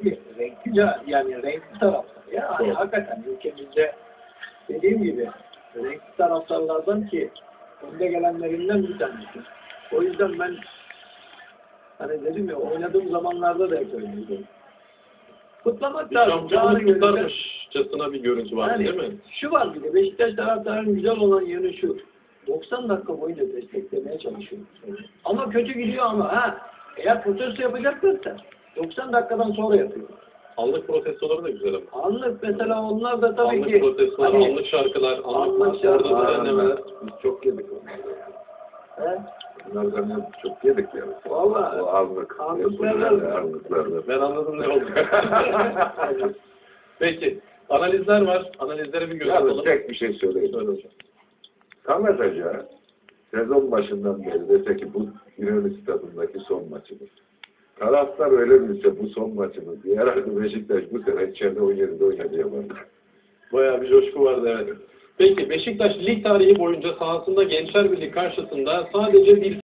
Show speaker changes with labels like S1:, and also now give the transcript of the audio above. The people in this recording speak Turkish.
S1: renkli, yani renkli taraftar. Ya hani hakikaten ülkemizde dediğim gibi renkli taraftarlardan ki önde gelenlerinden bir tanesi. O yüzden ben hani dedim ya oynadığım zamanlarda da hep öyleydi. Kutlamak
S2: Bir
S1: lazım.
S2: şampiyonluk kutlarmışçasına bir görüntü var
S1: Yani,
S2: değil mi?
S1: şu var bir de Beşiktaş taraftarının güzel olan yanı şu. 90 dakika boyunca desteklemeye çalışıyor. Ama kötü gidiyor ama eğer protesto yapacaklarsa 90 dakikadan sonra yapıyor.
S2: Anlık protestoları da güzel ama.
S1: Anlık mesela onlar da tabii
S2: Anlık
S1: ki
S2: protestolar,
S1: hani,
S2: anlık şarkılar,
S1: anlık
S2: orada
S1: şarkılar,
S2: düzenlemeler.
S3: Biz çok yedik onları.
S1: he?
S3: Bunlardan çok yedik yani.
S1: Vallahi
S3: O anlık. Anlıklardan.
S2: Ben anladım ne oldu. Peki. Analizler var. Analizlere bir göz
S3: Yalnız
S2: atalım.
S3: tek bir şey söyleyeyim.
S2: Söyle hocam.
S3: Samet Hoca sezon başından beri dese ki bu İnönü Stadı'ndaki son maçımız. Taraftar öyle bilse bu son maçımız diye herhalde Beşiktaş bu sene içeride 17'de oynadı yapardı.
S2: Bayağı bir coşku vardı evet. Peki Beşiktaş lig tarihi boyunca sahasında Gençler Birliği karşısında sadece bir